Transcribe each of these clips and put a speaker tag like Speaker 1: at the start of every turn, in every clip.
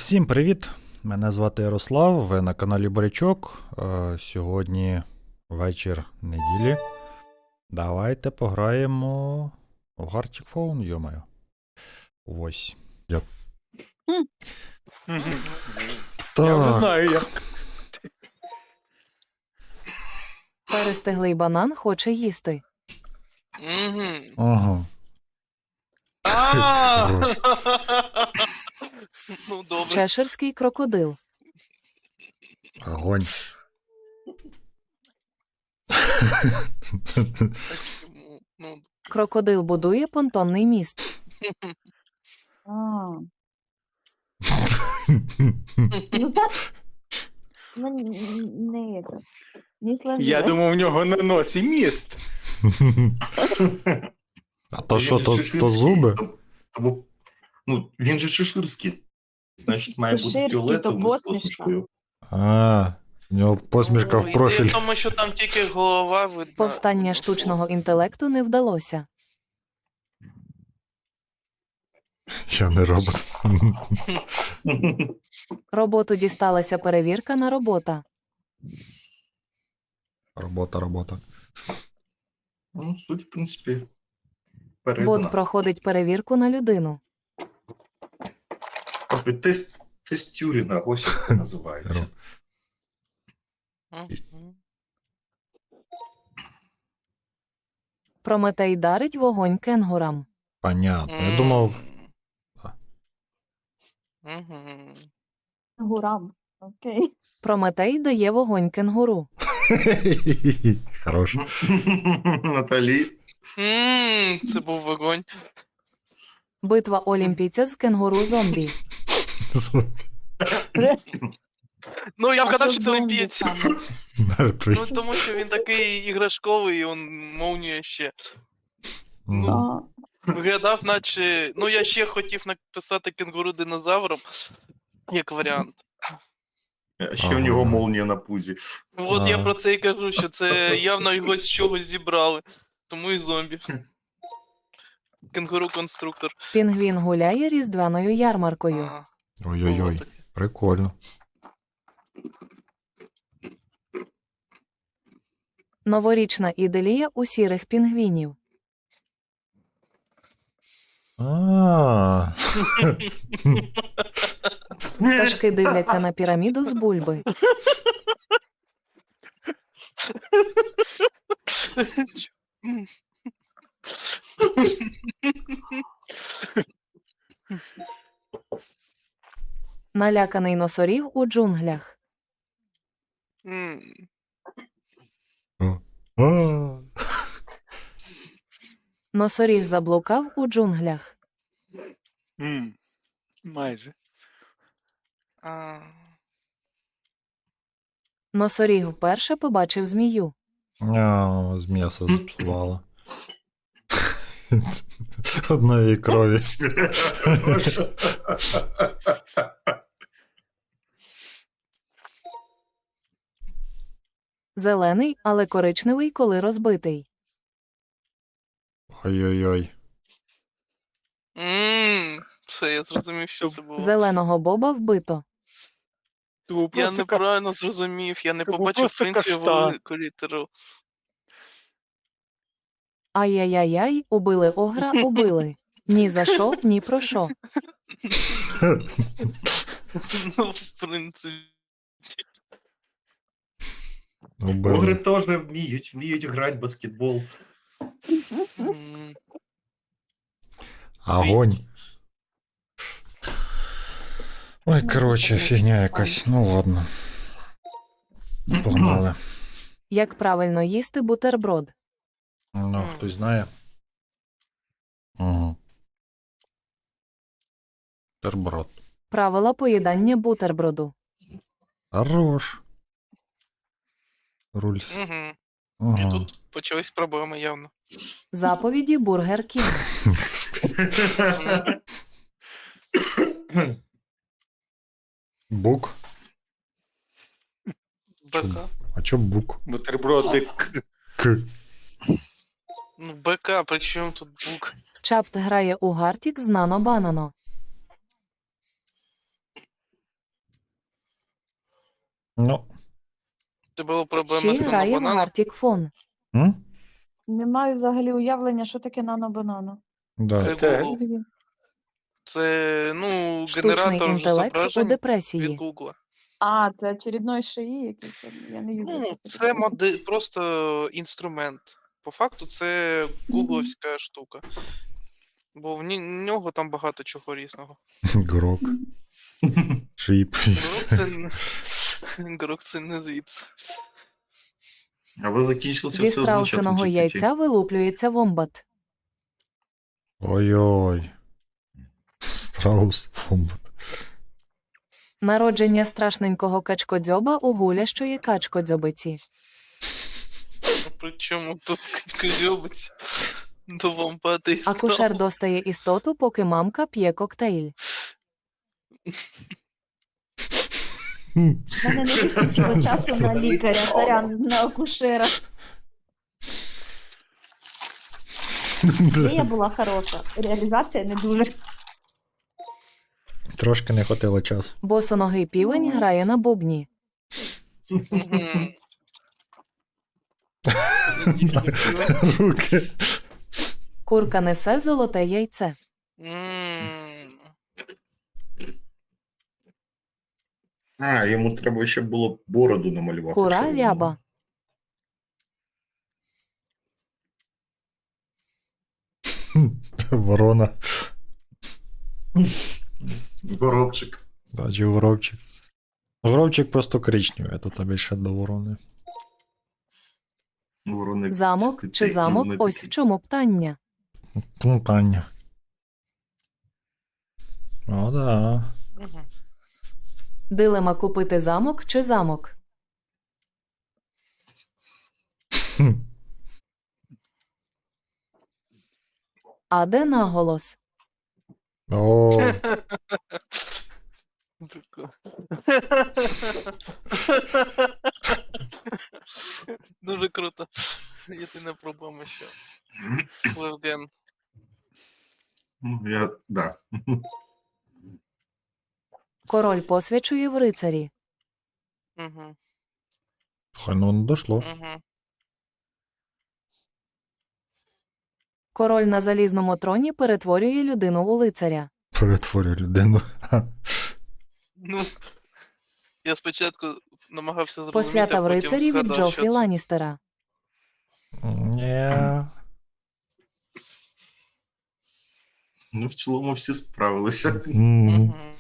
Speaker 1: Всім привіт! Мене звати Ярослав, ви на каналі Борячок. Сьогодні вечір неділі. Давайте пограємо в Gartic Phone, йомаю. Ось.
Speaker 2: Я вже
Speaker 1: Так,
Speaker 2: знаю, як.
Speaker 3: Перестиглий банан хоче їсти.
Speaker 1: ага.
Speaker 2: А!
Speaker 4: Ну, добре.
Speaker 3: Чеширський крокодил.
Speaker 1: Огонь.
Speaker 4: Ну,
Speaker 3: Крокодил будує понтонний міст.
Speaker 5: А. Ну так, не это. Не сложилось.
Speaker 2: Я думав, у нього на носі міст.
Speaker 1: А то що, то зуби?
Speaker 6: Ну, він же чеширський. Значить, має бути
Speaker 5: Чеширський, то
Speaker 6: фіолетовим з
Speaker 5: посмішка.
Speaker 6: посмішкою.
Speaker 1: А, у нього посмішка в профіль.
Speaker 4: Тому що там тільки голова видна.
Speaker 3: Повстання штучного інтелекту не вдалося.
Speaker 1: Я не робот.
Speaker 3: Роботу дісталася перевірка на робота.
Speaker 1: Робота.
Speaker 6: Ну, суть, в принципі,
Speaker 3: Бот
Speaker 6: передана.
Speaker 3: проходить перевірку на людину.
Speaker 6: Господи, тест Тюрінга, ось як це називається.
Speaker 4: Мгм.
Speaker 3: Прометей дарить вогонь кенгурам.
Speaker 1: Понятно. Я думав,
Speaker 4: Мгм.
Speaker 5: Гурам. Окей.
Speaker 3: Прометей дає вогонь кенгуру.
Speaker 1: хорош.
Speaker 6: Наталі.
Speaker 4: Це був вогонь.
Speaker 3: Битва олімпійця з кенгуру-зомбі.
Speaker 4: Ну, я вгадав,
Speaker 5: А
Speaker 4: що це
Speaker 5: зомбі
Speaker 4: олімпієць.
Speaker 5: саме.
Speaker 1: Мертвий.
Speaker 4: Ну, тому що він такий іграшковий, і он молнія ще. Ну,
Speaker 5: А,
Speaker 4: виглядав, наче. Ну, я ще хотів написати кенгуру динозавром, як варіант.
Speaker 6: Ще
Speaker 1: Ага.
Speaker 6: в нього молнія на пузі.
Speaker 4: От я
Speaker 1: А.
Speaker 4: про це і кажу, що це явно його з чогось зібрали. Тому і зомбі. Кенгуру-конструктор.
Speaker 3: Пінгвін гуляє різдвяною ярмаркою.
Speaker 4: Ага.
Speaker 1: Ой-ой-ой,
Speaker 4: Отаке.
Speaker 1: прикольно.
Speaker 3: Новорічна іделія у сірих пінгвінів.
Speaker 1: А.
Speaker 3: Пташки дивляться на піраміду з бульби. Наляканий носоріг у джунглях.
Speaker 4: М.
Speaker 1: А.
Speaker 3: Носоріг заблукав у джунглях.
Speaker 2: Майже.
Speaker 4: А.
Speaker 3: Носоріг вперше побачив змію.
Speaker 1: З м'яса зіпсувало. Одної крові.
Speaker 3: Зелений, але коричневий, коли розбитий.
Speaker 1: Ой-ой-ой.
Speaker 4: Все, я зрозумів, що це було.
Speaker 3: Зеленого боба вбито.
Speaker 2: Це був
Speaker 4: Я
Speaker 2: просто
Speaker 4: неправильно зрозумів, я не
Speaker 2: Це був
Speaker 4: побачив, в
Speaker 2: просто
Speaker 4: принципі,
Speaker 2: каштан.
Speaker 4: велику літеру.
Speaker 3: Ай-яй-яй-яй, убили огра, убили. Ні за що, ні про що.
Speaker 4: Ну, в принципі.
Speaker 1: Убили.
Speaker 6: Огри теж вміють грати в баскетбол.
Speaker 4: м,
Speaker 1: Огонь. Ой, короче, фігня якась. Ну ладно. Погнали.
Speaker 3: Як правильно їсти бутерброд?
Speaker 1: Ну, хтось знає. Угу. Терброд.
Speaker 3: Правила поїдання бутерброду.
Speaker 1: Хорош. Рульс.
Speaker 4: Мгм. І
Speaker 1: Ага.
Speaker 4: тут почались проблеми явно.
Speaker 3: Заповіді Бургер Кінг.
Speaker 1: Бук.
Speaker 4: БК.
Speaker 1: А чо бук?
Speaker 2: бутербродик.
Speaker 1: К.
Speaker 4: Ну, БК, при чому тут бук?
Speaker 3: Чапт грає у Гартік з Нано Банано.
Speaker 1: Ну.
Speaker 4: Це була проблема з
Speaker 3: Ще грає в
Speaker 4: бананом.
Speaker 3: Гартік Фон.
Speaker 1: М?
Speaker 5: Не маю взагалі уявлення, що таке нано-банано.
Speaker 1: Да.
Speaker 4: Це
Speaker 2: Це-
Speaker 4: Google. Це, ну,
Speaker 3: Штучний
Speaker 4: генератор
Speaker 3: інтелект у
Speaker 4: зображень від
Speaker 3: депресії.
Speaker 4: Google.
Speaker 5: А, це очередной шиї якийсь. Я не юзаю.
Speaker 4: Ну, це просто інструмент. По факту це гугловська штука. Бо в нього там багато чого різного.
Speaker 1: Грок. Шип.
Speaker 4: Грок це не звідси.
Speaker 6: А ви закінчилися
Speaker 3: Зі
Speaker 6: все одно чатом
Speaker 3: страусиного
Speaker 6: GPT.
Speaker 3: яйця вилуплюється вомбат.
Speaker 1: Ой-ой. Страус. Фомбат.
Speaker 3: Народження страшненького качкодзьоба у гулящої качкодзьобиці.
Speaker 4: Причому тут козьобить до вампати.
Speaker 3: Акушер достає істоту, поки мамка п'є коктейль.
Speaker 5: У мене не вистачило часу на лікаря, сорян, на акушера. Ідея була хороша, реалізація не дуже.
Speaker 1: Трошки не хватило часу.
Speaker 3: Босоногий півень грає на бубні.
Speaker 4: Мгм.
Speaker 1: Руки.
Speaker 3: Курка несе золоте яйце.
Speaker 6: А, йому треба ще було бороду намалювати.
Speaker 3: Кура
Speaker 6: щоб
Speaker 3: ряба.
Speaker 1: Ворона.
Speaker 6: Горобчик.
Speaker 1: Значить, горобчик. Горобчик просто коричневий, а тут більше до ворони.
Speaker 6: Ворони.
Speaker 3: Замок
Speaker 6: Цей,
Speaker 3: чи замок?
Speaker 6: вони
Speaker 3: Ось в
Speaker 6: такі.
Speaker 3: чому питання.
Speaker 1: Ну, Таня. О, да.
Speaker 4: Мгм.
Speaker 3: Дилема купити замок чи замок.
Speaker 1: Хм.
Speaker 3: А де наголос?
Speaker 1: О,
Speaker 4: Прикольно. Дуже круто. Єдина проблема, що Левген.
Speaker 6: Ну, да.
Speaker 3: Король посвячує в рицарі.
Speaker 4: Угу.
Speaker 1: хай ну не дошло.
Speaker 4: Угу.
Speaker 3: Король на залізному троні перетворює людину у лицаря.
Speaker 1: Перетворює людину.
Speaker 4: Ну, я спочатку намагався зрозуміти,
Speaker 3: Посвята
Speaker 4: а
Speaker 3: в
Speaker 4: потім
Speaker 3: рицарі від
Speaker 4: згадав,
Speaker 3: Джофрі
Speaker 4: що це.
Speaker 3: Ланністера.
Speaker 1: Ні.
Speaker 6: Ну, в цілому всі справилися.
Speaker 1: М.
Speaker 4: Мгм.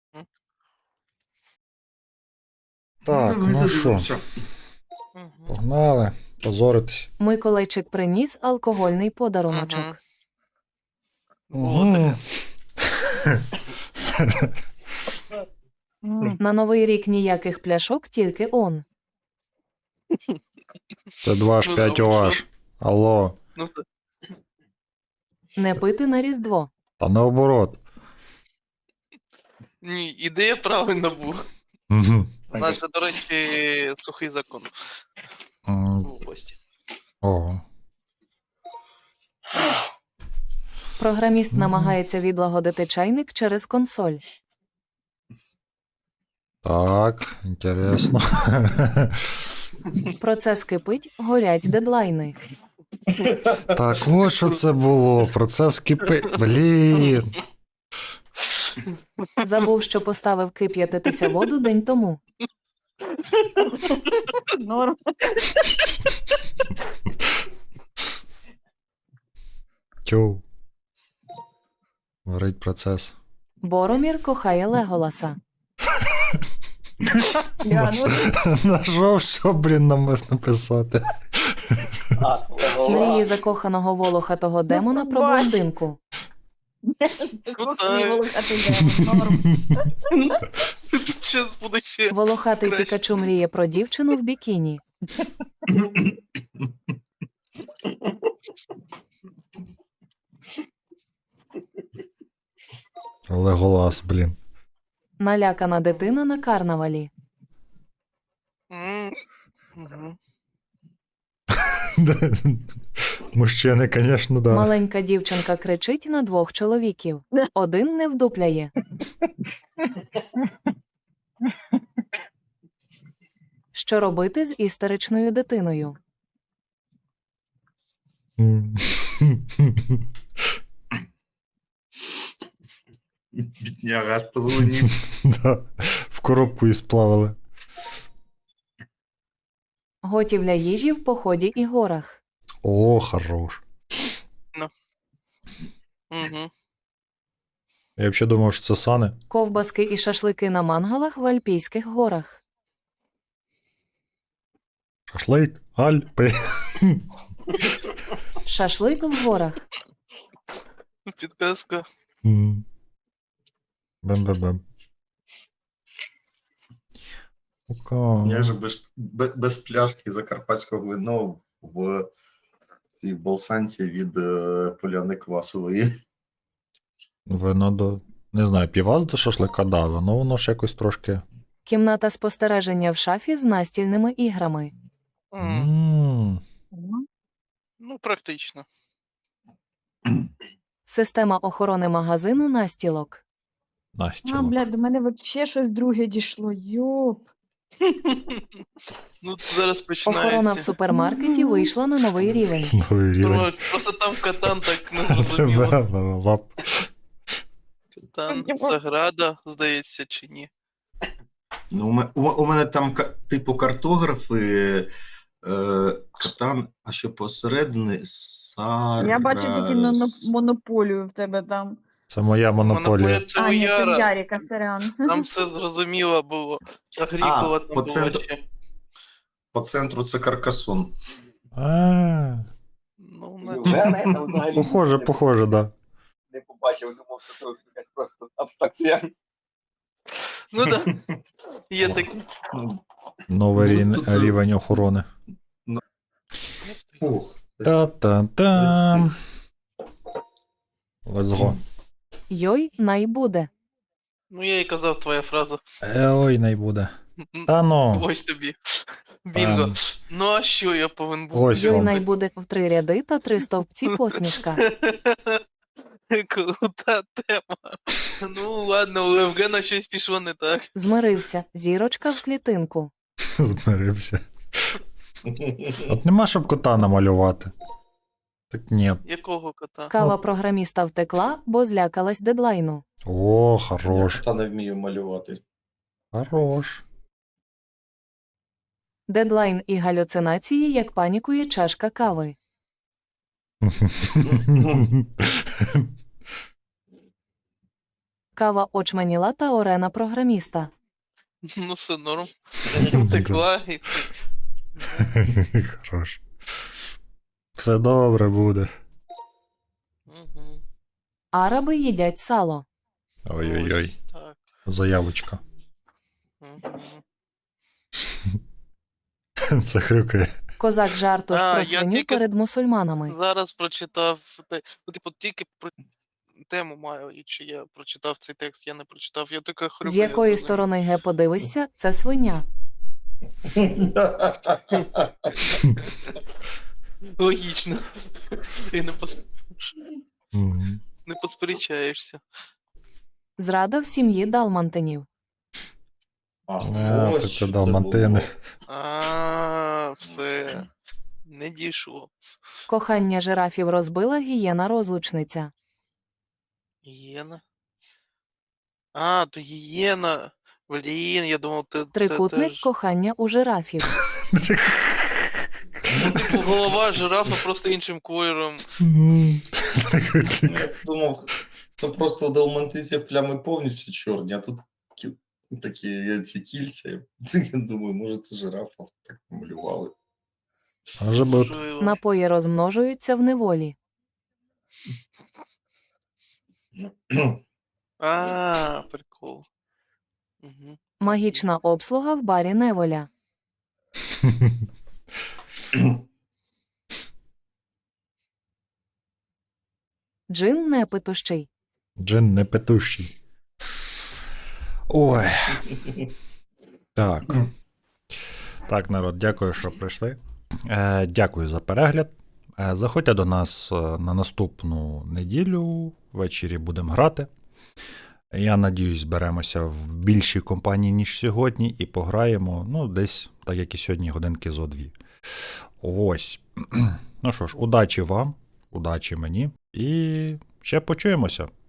Speaker 1: Так,
Speaker 6: Давайте
Speaker 1: ну що,
Speaker 6: дивимося.
Speaker 4: Мгм.
Speaker 1: погнали. Позоритись.
Speaker 3: Миколайчик приніс алкогольний подаруночок.
Speaker 4: Було таке.
Speaker 3: На Новий рік ніяких пляшок, тільки он.
Speaker 1: Це 2H5
Speaker 4: Ну,
Speaker 1: OH. Алло.
Speaker 4: Ну, та-
Speaker 3: Не пити на Різдво.
Speaker 1: Та наоборот.
Speaker 4: ні, ідея правильна була.
Speaker 1: Мгм.
Speaker 4: У нас же, до речі, сухий закон
Speaker 1: М,
Speaker 4: в області.
Speaker 1: Ого.
Speaker 3: Програміст намагається відлагодити чайник через консоль.
Speaker 1: Так, інтересно.
Speaker 3: Процес кипить, горять дедлайни.
Speaker 1: Так, ось що це було. Процес кипи. Блін.
Speaker 3: Забув, що поставив кип'ятитися воду день тому.
Speaker 5: Норм.
Speaker 1: Тю. Горить процес.
Speaker 3: Боромір кохає Леголаса.
Speaker 5: Я, ну,
Speaker 1: На що все, блін, нам написати?
Speaker 3: Мрії закоханого волохатого демона про
Speaker 5: Бач.
Speaker 3: блондинку.
Speaker 5: кухні волохати демон, норм.
Speaker 4: Тут щас буде ще.
Speaker 3: Волохатий
Speaker 4: Краще.
Speaker 3: Пікачу мріє про дівчину в бікіні.
Speaker 1: Леголас, блін.
Speaker 3: Налякана дитина на карнавалі.
Speaker 4: Мгм.
Speaker 1: Мужчини, звісно, да.
Speaker 3: Маленька дівчинка кричить на двох чоловіків. Один не вдупляє. Що робити з істеричною дитиною?
Speaker 6: Бідняга аж позвонив.
Speaker 1: Да, в коробку і сплавили.
Speaker 3: Готівля їжі в поході і горах.
Speaker 1: О, хорош.
Speaker 4: Угу.
Speaker 1: Я взагалі думав, що це сани.
Speaker 3: Ковбаски і шашлики на мангалах в Альпійських горах.
Speaker 1: Шашлик, Альпи.
Speaker 3: Шашлик в горах.
Speaker 4: Підказка.
Speaker 1: Бем-бем-бем.
Speaker 6: Я же без пляшки закарпатського вина в цій болсанці від поляни квасової.
Speaker 1: Вино до. Не знаю, півас до шашлика дали, але воно ж якось трошки.
Speaker 3: Кімната спостереження в шафі з настільними іграми.
Speaker 1: М,
Speaker 4: Ну, практично.
Speaker 3: Система охорони магазину настілок.
Speaker 1: Настілок.
Speaker 5: Блядь, до мене вообще щось друге дійшло. Йоп.
Speaker 4: Ну, зараз
Speaker 3: Охорона в
Speaker 4: починається.
Speaker 3: супермаркеті вийшла на новий рівень.
Speaker 1: Новий рівень.
Speaker 4: Просто там катан так не зрозуміло.
Speaker 1: Лап.
Speaker 4: Катан, Заграда, здається, чи ні.
Speaker 6: Ну, у мене там типу картографи, катан, а що посередині Сара.
Speaker 5: Я бачу тільки монополію в тебе там.
Speaker 1: Це моя монополія.
Speaker 4: Це
Speaker 5: А,
Speaker 4: у
Speaker 5: ні, це в
Speaker 4: Яра.
Speaker 5: Яріка, сорян.
Speaker 4: Там все зрозуміло було. Агрікола там
Speaker 6: по
Speaker 4: була
Speaker 6: центру.
Speaker 4: ще.
Speaker 6: По центру це Каркасон.
Speaker 1: А,
Speaker 4: Ну,
Speaker 7: Невже я там взагалі
Speaker 1: Похоже, да.
Speaker 7: не побачив, думав, що це якась просто абстракція.
Speaker 4: ну да. Є такі.
Speaker 6: Ну,
Speaker 1: Новий
Speaker 6: Ну, тут,
Speaker 1: рівень охорони.
Speaker 6: Ух.
Speaker 1: Та-та-там. Let's go.
Speaker 3: Йой, най буде.
Speaker 4: Ну, я і казав твоя фраза.
Speaker 1: Ой, не буде. Та ну.
Speaker 4: Ось тобі. Bingo.
Speaker 1: Ем.
Speaker 4: Ну, а що я повинен був?
Speaker 1: Ось
Speaker 3: Йой,
Speaker 1: вам.
Speaker 3: най буде в 3 ряди та 3 стовпці посмішка.
Speaker 4: Крута тема. Ну, ладно, у Євгена щось пішло не так.
Speaker 3: Змирився. Зірочка в клітинку.
Speaker 1: Змирився. От нема, щоб кота намалювати. Так ні.
Speaker 4: Якого кота?
Speaker 3: Кава програміста втекла, бо злякалась дедлайну.
Speaker 1: О, хорош.
Speaker 6: Я не вмію малювати.
Speaker 1: Хорош.
Speaker 3: Дедлайн і галюцинації, як панікує чашка кави. Кава очманіла та орена програміста.
Speaker 4: Ну, все норм. Втекла і...
Speaker 1: Хорош. Все добре буде.
Speaker 4: Угу.
Speaker 3: Араби їдять сало.
Speaker 1: Ой-ой-ой.
Speaker 4: Ось так.
Speaker 1: Заявочка.
Speaker 4: Угу.
Speaker 1: Це хрюкає.
Speaker 3: Козак жартуш
Speaker 4: А,
Speaker 3: про
Speaker 4: я
Speaker 3: свиню
Speaker 4: тільки-
Speaker 3: перед мусульманами.
Speaker 4: Зараз прочитав, ну, типу, тільки про тему маю, і чи я прочитав цей текст, я не прочитав, я тільки хрюкаю.
Speaker 3: З якої
Speaker 4: за ним.
Speaker 3: сторони ге подивишся, це свиня.
Speaker 4: Логічно. І
Speaker 1: Мгм.
Speaker 4: не посперечаєшся.
Speaker 3: Зрада в сім'ї далмантинів.
Speaker 1: А, так це далмантини.
Speaker 4: Все. Не дійшло.
Speaker 3: Кохання жирафів розбила гієна-розлучниця.
Speaker 4: Гієна? А, то гієна. Блін, я думав, це
Speaker 3: Трикутник
Speaker 4: теж...
Speaker 3: кохання у жирафів.
Speaker 4: Ну, типу, голова жирафа просто іншим кольором.
Speaker 6: Я думав, що просто у далмантинців плями повністю чорні, а тут такі ці кільця. Я думаю, може це жирафа так намалювали.
Speaker 1: Може бути.
Speaker 4: Можливо.
Speaker 3: Напої розмножуються в неволі.
Speaker 4: А, прикол. Угу.
Speaker 3: Магічна обслуга в барі неволя. Джин непитущий.
Speaker 1: Джин не петущий. Ой. Так. Так, народ, дякую, що прийшли. Дякую за перегляд. Заходьте до нас на наступну неділю. Ввечері будемо грати. Я надіюсь, зберемося в більшій компанії, ніж сьогодні, і пограємо, ну, десь так як і сьогодні годинки зо 2. Ось. Ну що ж, удачі вам, удачі мені. І ще почуємося.